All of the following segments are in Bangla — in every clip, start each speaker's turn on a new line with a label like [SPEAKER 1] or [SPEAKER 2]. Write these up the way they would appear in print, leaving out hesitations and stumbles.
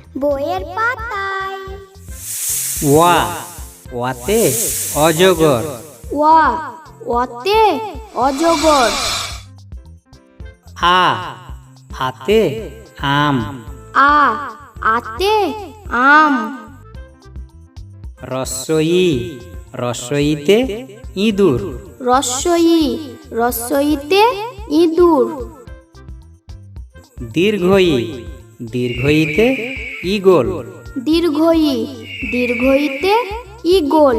[SPEAKER 1] বইয়ের পাতায়।
[SPEAKER 2] ওয়া ওয়াতে অজগর।
[SPEAKER 3] ওয়া ওয়াতে অজগর।
[SPEAKER 2] আ আতে আম।
[SPEAKER 3] আ আতে আম।
[SPEAKER 2] রস্বই রস্বইতে ইঁদুর।
[SPEAKER 3] রস্বই রস্বইতে ইঁদুর।
[SPEAKER 2] দীর্ঘই দীর্ঘইতে ঈগল।
[SPEAKER 3] দীর্ঘই দীর্ঘইতে ঈগল।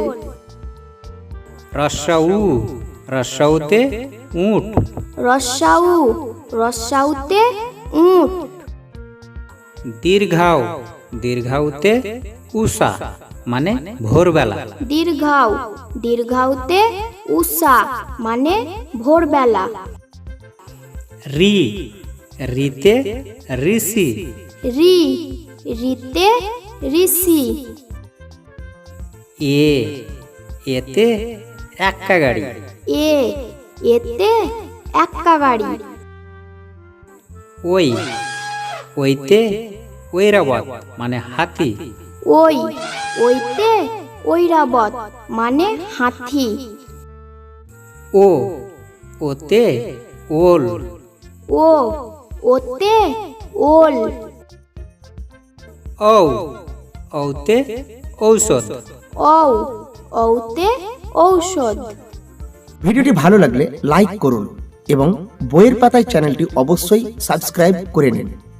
[SPEAKER 2] রস্যউ রস্যউতে উট।
[SPEAKER 3] রস্যাউ রস্যাউতে উট।
[SPEAKER 2] দীর্ঘাউ দীর্ঘাউতে উষা মানে ভোরবেলা।
[SPEAKER 3] দীর্ঘাউ দীর্ঘাউতে উষা মানে ভোরবেলা।
[SPEAKER 2] রি রিতে ঋষি।
[SPEAKER 3] রি রিতে ঋষি।
[SPEAKER 2] এ এতে এক্কা গাড়ি।
[SPEAKER 3] এ এতে এক্কা গাড়ি।
[SPEAKER 2] ওই ওইতে ঐরাবত মানে হাতি।
[SPEAKER 3] ওই ওইতে ঐরাবত মানে হাতি।
[SPEAKER 2] ও ওতে ওল।
[SPEAKER 3] ও ওতে ওল।
[SPEAKER 2] ঔ ঔতে ঔষধ।
[SPEAKER 3] ঔ ঔতে ঔষধ।
[SPEAKER 4] ভিডিওটি ভালো লাগলে লাইক করুন এবং বইয়ের পাতায় চ্যানেলটি অবশ্যই সাবস্ক্রাইব করে নিন।